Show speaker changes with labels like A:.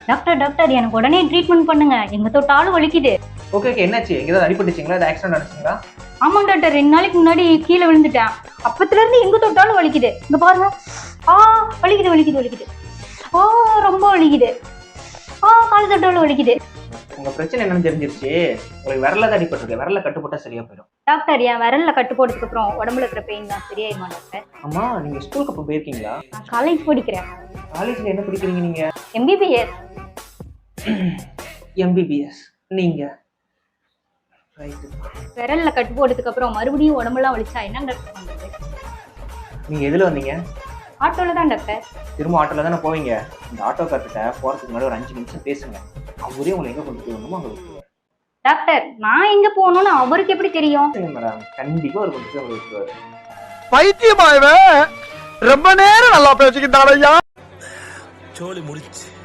A: Doctor doctor எனக்கு உடனே treatment பண்ணுங்க, எங்க தொட்டாலும் வலிக்குது.
B: ஓகே ஓகே, என்னாச்சு? எங்கேயாவது அடிபட்டுச்சிங்களா? அது ஆக்சிடென்ட் ஆச்சுங்களா?
A: ஆமாங்க டாக்டர், 2 நாளைக்கு முன்னாடி கீழே விழுந்துட்டேன். அப்பத்துல இருந்து எங்க தொட்டாலும் வலிக்குது. இங்க பாருங்க. வலிக்குது வலிக்குது வலிக்குது. ரொம்ப வலிக்குது. கால் தொட்டாலும் வலிக்குது.
B: உங்க பிரச்சனை என்னன்னு தெரிஞ்சிருச்சு. உங்களுக்கு விரல தான் அடிபட்டிருக்கு. விரல கட்டுப்பட்டா சரியா போயிடும்.
A: டாக்டர், என் விரல்ல கட்டு போட்டதுக்கு அப்புறம் உடம்புல இருக்கிற பெயின் தான் சரியாயிருமா டாக்டர்?
B: அம்மா, நீங்க ஸ்கூலுக்கு அப்போ போயிருக்கீங்களா?
A: நான் காலேஜ் படிக்கிறேன்.
B: காலேஜ்ல என்ன படிக்கிறீங்க நீங்க?
A: MBBS.
B: MBBS. நீங்க
A: விரல்ல கட்டு போட்டதுக்கு அப்புறம் மறுபடியும் உடம்புலாம் வலிச்சா என்ன டாக்டர் பண்றது?
B: நீங்க எதுல வந்தீங்க?
A: ஆட்டோல தான் டாக்டர்.
B: திரும்ப ஆட்டோல தானே போவீங்க. இந்த ஆட்டோக்கார்கிட்ட போறதுக்கு முன்னாடி ஒரு 5 நிமிஷம் பேசுங்க. அவரே உங்களை எங்க கொண்டு போய் வரணுமோ அங்க விட்டுருவாரு.
A: டாக்டர், நான் எங்க போகணும்னு அவருக்கு எப்படி தெரியும்?
B: மேடம், கண்டிப்பா ஒரு கொண்டு போய் உங்களை விட்டுருவாரு.
C: பைத்தியமாயவே ரொம்ப நேரம் நல்லா பேசிக்கிட்டாரையா.
D: சோலி முடிச்சு.